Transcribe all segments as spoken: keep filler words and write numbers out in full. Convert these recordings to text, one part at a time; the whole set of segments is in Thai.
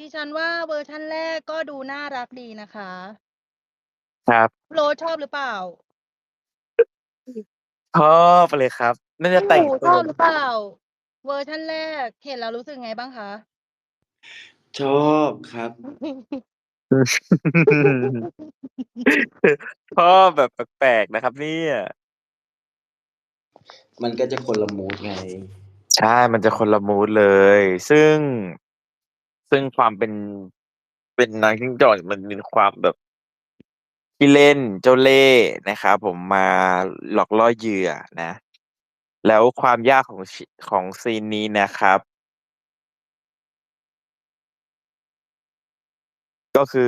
ดิฉันว่าเวอร์ชันแรกก็ดูน่ารักดีนะคะครับโรสชอบหรือเปล่า? ชอบเลยครับ น่าพจะี่แหตมู่งตชัวอบหรือเปล่า? เวอร์ชันแรก เห็นแล้วรู้สึกไงบ้างคะ? ชอบครับชอบแบบแปลก ๆ นะครับเนี่ยมันก็จะคนละมูดไงใช่ มันจะคนละมูดเลย ซึ่ง ซึ่งความเป็น เป็นนางจิ้งจอกมันมีความแบบ ขี้เล่น เจ้าเล่ห์นะครับผม มาหลอกล่อเหยื่อนะ แล้วความยากของ ช ของซีนนี้นะครับ ก็คือ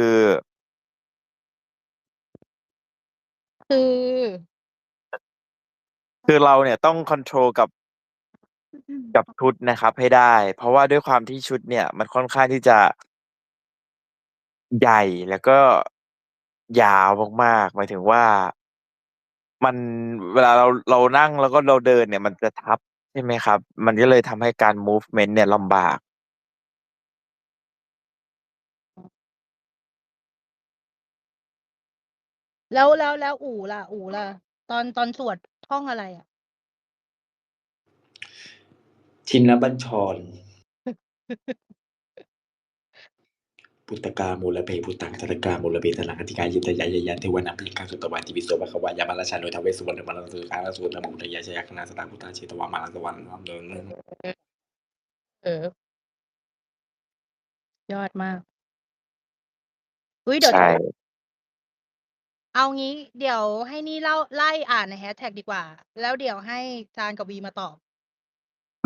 คือคือเราเนี่ยต้องคอนโทรลกับ กับชุดนะครับให้ได้ เพราะว่าด้วยความที่ชุดเนี่ยมันค่อนข้างที่จะ ใหญ่ แล้วก็ ยาวมาก ๆ หมายถึงว่า มัน เวลาเรา เรานั่งแล้วก็เราเดินเนี่ยมันจะทับ ใช่ไหมครับ มันก็เลยทำให้การ มูฟเมนต์ เนี่ยลำบากแล้ว แล้ว แล้วอู๋ล่ะ อู๋ล่ะ ตอน ตอนสวดท่องอะไรอะ? ชินบัญชร พุทธกาโมละเพ พุทธัง สรณกาโมละเพ สรณัง อธิกายะ ยะ ยะ เทวนัมปิกัง สุตวาทิ วิโส ภควา ยามราชาโน ท้าวเวสสุวรรณ มะรังสี อาสูร นะโม พุทธายะ ชยคณา สตาง พุทธา เชตวา มารังสวรรค์เออ ยอดมาก อุ๊ย เดี๋ใยชว เดี๋ยว่เอางี้ เดี๋ยวให้นี่เล่า ไล่อ่านในแฮชแท็กดีกว่า แล้วเดี๋ยวให้จานกับวีมาตอบ